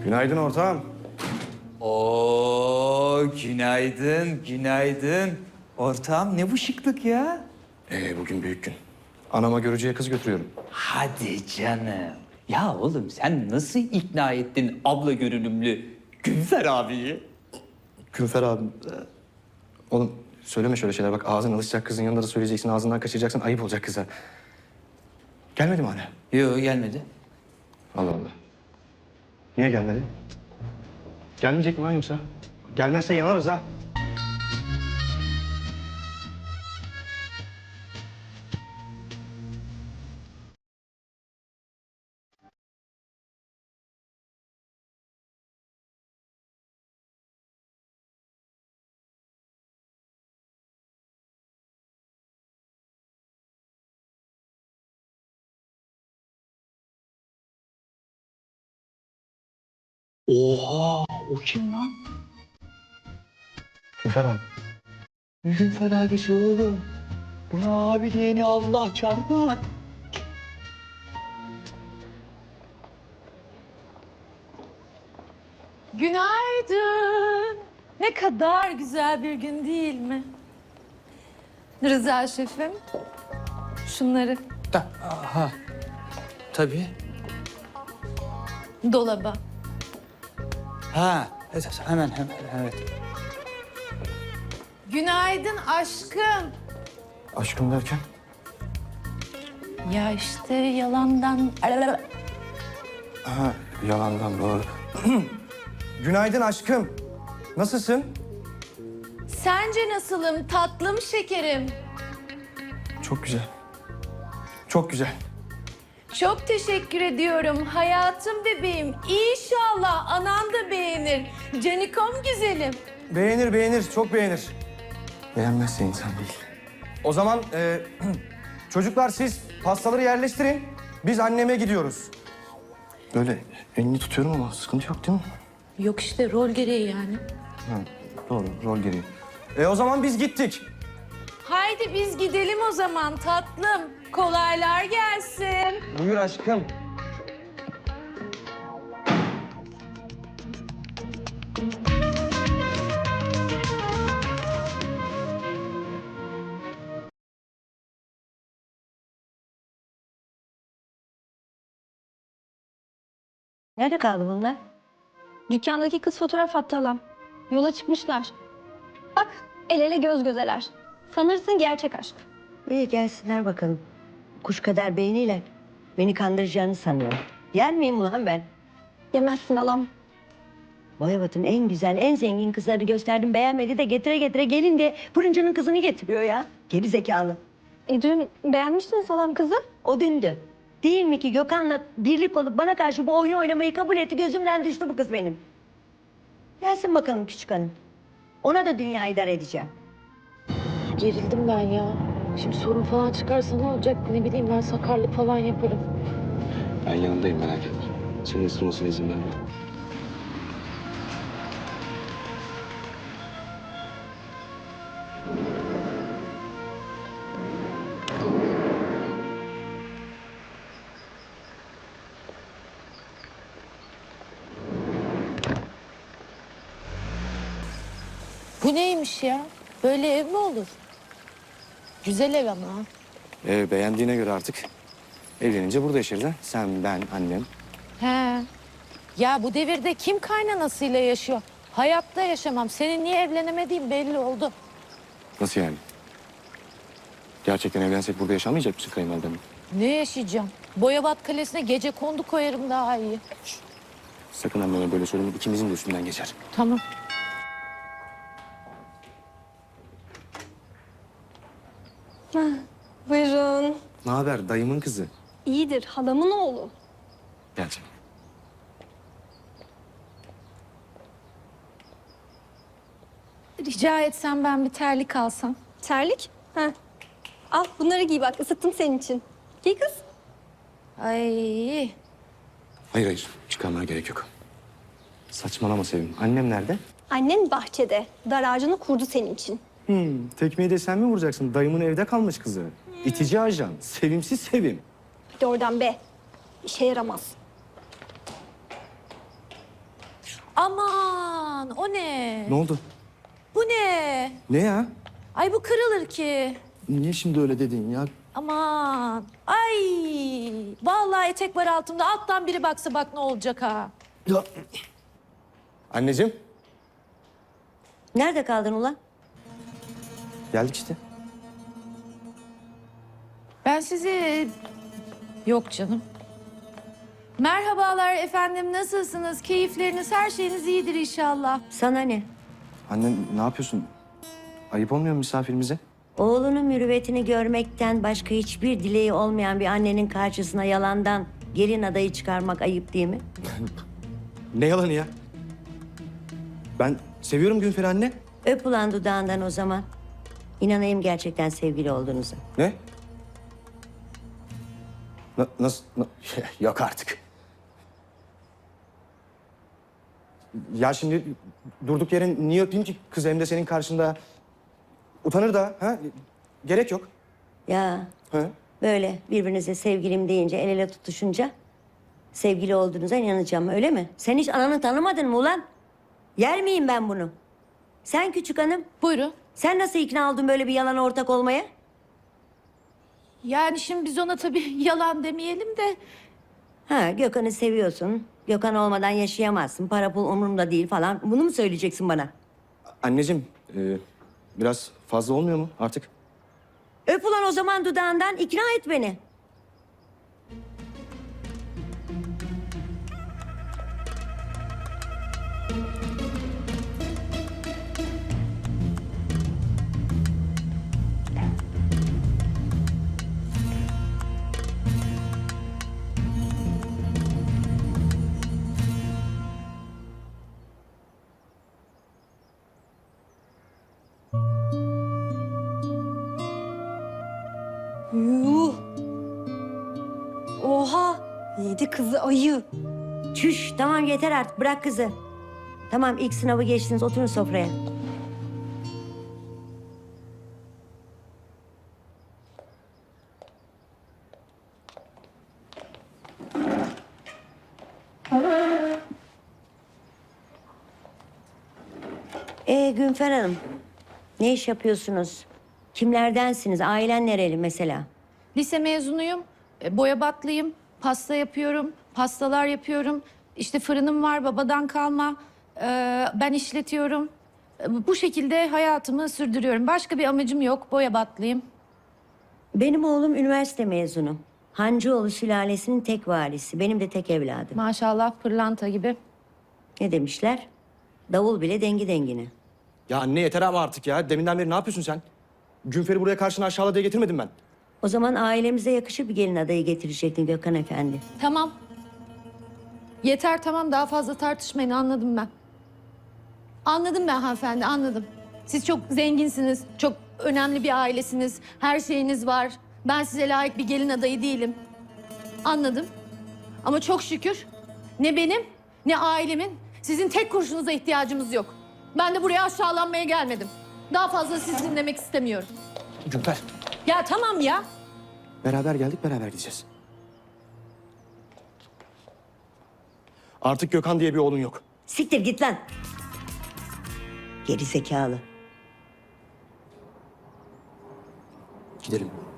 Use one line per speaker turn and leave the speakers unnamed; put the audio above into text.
Günaydın ortağım.
Oo, günaydın, günaydın. Ortağım ne bu şıklık ya?
Bugün büyük gün. Anama görücüye kız götürüyorum.
Hadi canım. Ya oğlum sen nasıl ikna ettin abla görünümlü Günfer abiyi?
Künfer abim. Oğlum söyleme şöyle şeyler. Bak ağzın alışacak, kızın yanında da söyleyeceksin. Ağzından kaçıracaksın. Ayıp olacak kıza. Gelmedi mi hala?
Yok gelmedi.
Allah Allah. Niye gelmedi? Gelmeyecek mi lan yoksa? Gelmezse yanarız ha.
Oha, o kim lan?
Künfer abi.
Günfer abisi oğlum. Buna abi diyeni Allah çarpar.
Günaydın. Ne kadar güzel bir gün değil mi? Rıza şefim, şunları
Tabii.
dolaba.
Ha, hemen evet.
Günaydın aşkım.
Aşkım derken?
Ya işte yalandan...
Ha, yalandan doğru. Günaydın aşkım. Nasılsın?
Sence nasılım tatlım şekerim?
Çok güzel. Çok güzel.
Çok teşekkür ediyorum hayatım bebeğim. İnşallah anan da beğenir. Canikom güzelim.
Beğenir, beğenir. Çok beğenir. Beğenmezse insan değil. O zaman çocuklar siz pastaları yerleştirin. Biz anneme gidiyoruz. Böyle elini tutuyorum ama sıkıntı yok değil mi?
Yok işte rol gereği yani.
Ha, doğru, rol gereği. O zaman biz gittik.
Haydi biz gidelim o zaman tatlım. Kolaylar gelsin.
Buyur aşkım.
Nerede kaldı bunlar?
Dükkandaki kız fotoğraf attı halam. Yola çıkmışlar. Bak el ele göz gözeler. Sanırsın gerçek aşk.
İyi gelsinler bakalım. Kuş kadar beyniyle beni kandıracağını sanıyorum. Yer miyim ulan ben?
Yemezsin halam.
Boyabat'ın en güzel, en zengin kızlarını gösterdim. Beğenmedi de getire getire gelin diye fırıncının kızını getiriyor ya. Geri zekalı.
Dün beğenmiştiniz halam kızı.
O dündü. Değil mi ki Gökhan'la birlik olup bana karşı bu oyunu oynamayı kabul etti. Gözümden düştü bu kız benim. Gelsin bakalım küçük hanım. Ona da dünya idare edeceğim.
Gerildim ben ya. Şimdi sorun falan çıkarsa ne olacak? Ne bileyim ben sakarlık falan yaparım.
Ben yanındayım, merak etme. Senin ısırmasına izin verme.
Bu neymiş ya? Böyle ev mi olur? Güzel ev ama.
Beğendiğine göre artık evlenince burada yaşarız ha. Sen, ben, annem.
He. Ya bu devirde kim kaynanasıyla yaşıyor? Hayatta yaşamam. Senin niye evlenemediğin belli oldu.
Nasıl yani? Gerçekten evlensek burada yaşamayacak mısın kayınvalidemle?
Ne yaşayacağım? Boyabat Kalesi'ne gece kondu koyarım daha iyi.
Sakın anneme böyle söyleme, ikimizin de üstünden geçer.
Tamam.
Buyurun.
Ne haber dayımın kızı?
İyidir halamın oğlu.
Gel canım.
Rica etsem ben bir terlik alsam.
Terlik. Ha. Al bunları giy bak ısıttım senin için. Giy kız.
Ay.
Hayır, çıkarmana gerek yok. Saçmalama Sevim. Annem nerede?
Annen bahçede. Dar ağacını kurdu senin için.
Tekmeyi de sen mi vuracaksın? Dayımın evde kalmış kızı. İtici ajan, sevimsiz Sevim.
Hadi oradan be. İşe yaramaz.
Aman o ne?
Ne oldu?
Bu ne?
Ne ya?
Ay bu kırılır ki.
Niye şimdi öyle dedin ya?
Aman. Ay. Vallahi etek var altımda. Alttan biri baksa bak ne olacak ha.
Ya. Anneciğim.
Nerede kaldın ulan?
Geldik işte.
Ben sizi... Yok canım. Merhabalar efendim. Nasılsınız? Keyifleriniz, her şeyiniz iyidir inşallah.
Sana ne?
Anne ne yapıyorsun? Ayıp olmuyor mu misafirimize?
Oğlunun mürüvvetini görmekten başka hiçbir dileği olmayan bir annenin karşısına yalandan gelin adayı çıkarmak ayıp değil mi?
Ne yalanı ya? Ben seviyorum Günfer anne.
Öp ulan dudağından o zaman. İnanayım gerçekten sevgili olduğunuza.
Ne? Nasıl? Yok artık. Ya şimdi durduk yere niye öpeyim ki kız hem de senin karşında? Utanır da ha? Gerek yok.
Ya
Ha?
böyle birbirinize sevgilim deyince el ele tutuşunca sevgili olduğunuza inanacağım öyle mi? Sen hiç ananı tanımadın mı ulan? Yer miyim ben bunu? Sen küçük hanım,
Buyurun.
sen nasıl ikna oldun böyle bir yalana ortak olmaya?
Yani şimdi biz ona tabii yalan demeyelim de...
Ha Gökhan'ı seviyorsun. Gökhan olmadan yaşayamazsın. Para pul umurumda değil falan. Bunu mu söyleyeceksin bana?
Anneciğim biraz fazla olmuyor mu artık?
Öp ulan o zaman dudağından ikna et beni.
Yuh. Oha. Yedi kızı ayı.
Çüş tamam yeter artık bırak kızı. Tamam ilk sınavı geçtiniz oturun sofraya. Günfer Hanım, ne iş yapıyorsunuz? Kimlerdensiniz? Ailen nereli mesela?
Lise mezunuyum, boyabatlıyım, pasta yapıyorum, pastalar yapıyorum. İşte fırınım var, babadan kalma. Ben işletiyorum. Bu şekilde hayatımı sürdürüyorum. Başka bir amacım yok, boyabatlıyım.
Benim oğlum üniversite mezunu. Hancıoğlu sülalesinin tek varisi. Benim de tek evladım.
Maşallah pırlanta gibi.
Ne demişler? Davul bile dengi dengine.
Ya anne yeter ama artık ya. Deminden beri ne yapıyorsun sen? Günfer'i buraya karşına aşağıla diye getirmedim ben.
O zaman ailemize yakışır bir gelin adayı getirecektin Gökhan Efendi.
Tamam. Yeter tamam, daha fazla tartışmayın, anladım ben. Anladım ben hanımefendi, anladım. Siz çok zenginsiniz, çok önemli bir ailesiniz, her şeyiniz var. Ben size layık bir gelin adayı değilim. Anladım. Ama çok şükür ne benim ne ailemin sizin tek kurşunuza ihtiyacımız yok. Ben de buraya aşağılanmaya gelmedim. Daha fazla sizi dinlemek istemiyorum.
Günfer.
Ya tamam ya.
Beraber geldik, beraber gideceğiz. Artık Gökhan diye bir oğlun yok.
Siktir git lan. Geri zekalı.
Gidelim.